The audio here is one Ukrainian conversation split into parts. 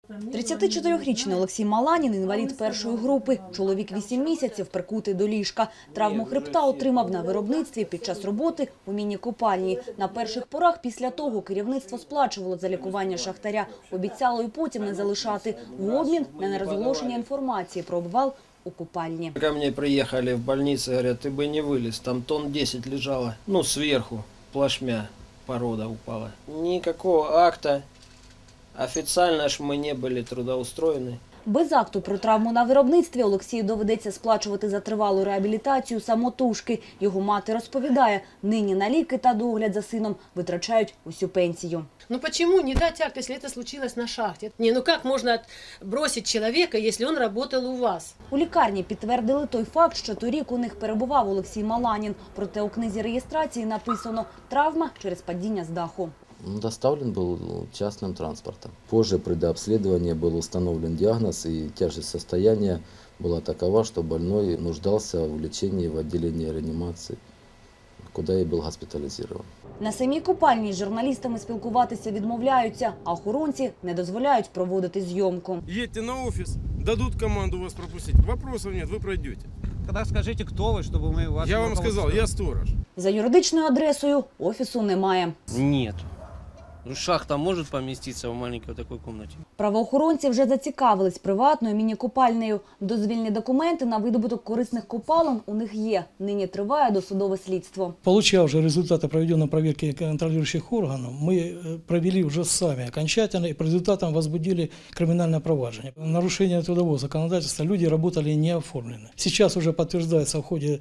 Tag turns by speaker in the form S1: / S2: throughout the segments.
S1: 34-річний Олексій Маланін – інвалід першої групи. Чоловік 8 місяців прикутий до ліжка. Травму хребта отримав на виробництві під час роботи у міні-копальні. На перших порах після того керівництво сплачувало за лікування шахтаря. Обіцяло і потім не залишати. В обмін на нерозголошення інформації про обвал у купальні.
S2: Ко мне приехали в больницу, говорят, ты бы не вылез, там тонн 10 лежало. Ну, сверху, плашмя, порода упала. Никакого акта. Официально ж мы не были трудоустроены.
S1: Без акту про травму на виробництві Олексію доведеться сплачувати за тривалу реабілітацію самотужки. Його мати розповідає, нині на ліки та догляд за сином витрачають усю пенсію.
S3: Ну почему не дать акт, если это случилось на шахте? Ну как можно бросить человека, если он работал у вас?
S1: У лікарні підтвердили той факт, що торік у них перебував Олексій Маланін. Проте у книзі реєстрації написано «травма через падіння з даху».
S4: Доставлен был частным транспортом. Позже при дообследовании был установлен диагноз, и тяжесть состояния была такова, что больной нуждался в лечении в отделении реанимации, куда и был госпитализирован.
S1: На самій купальні з журналістами спілкуватися відмовляються, а охоронці не дозволяють проводити зйомку.
S5: Едьте на офис, дадут команду вас пропустить. Вопросов нет, вы пройдете.
S6: Тогда скажите, кто вы, чтобы мы вас...
S5: Я вам сказал, я сторож.
S1: За юридичною адресою офісу немає.
S7: Нет. Ну, шахта может поместиться в маленькой такой комнате?
S1: Правоохоронці вже зацікавились приватною міні-копальнею. Дозвільні документи на видобуток корисних копалин у них є. Нині триває досудове слідство.
S8: Получая уже результаты проведенной проверки контролирующих органов, мы провели уже сами окончательно и по результатам возбудили криминальное проваджение. Нарушение трудового законодательства люди работали не оформлены. Сейчас уже подтверждается в ходе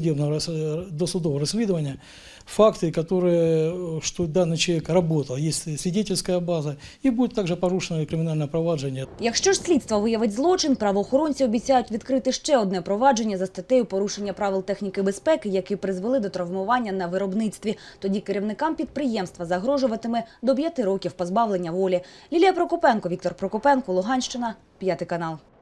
S8: досудового расследования факты, которые, что данный человек работал, есть свидетельская база, и будет также порушено криминальное провадження.
S1: Якщо ж слідство виявить злочин, правоохоронці обіцяють відкрити ще одне провадження за статтею порушення правил техніки безпеки, які призвели до травмування на виробництві. Тоді керівникам підприємства загрожуватиме до 5 років позбавлення волі. Лілія Прокопенко, Віктор Прокопенко, Луганщина, 5 канал.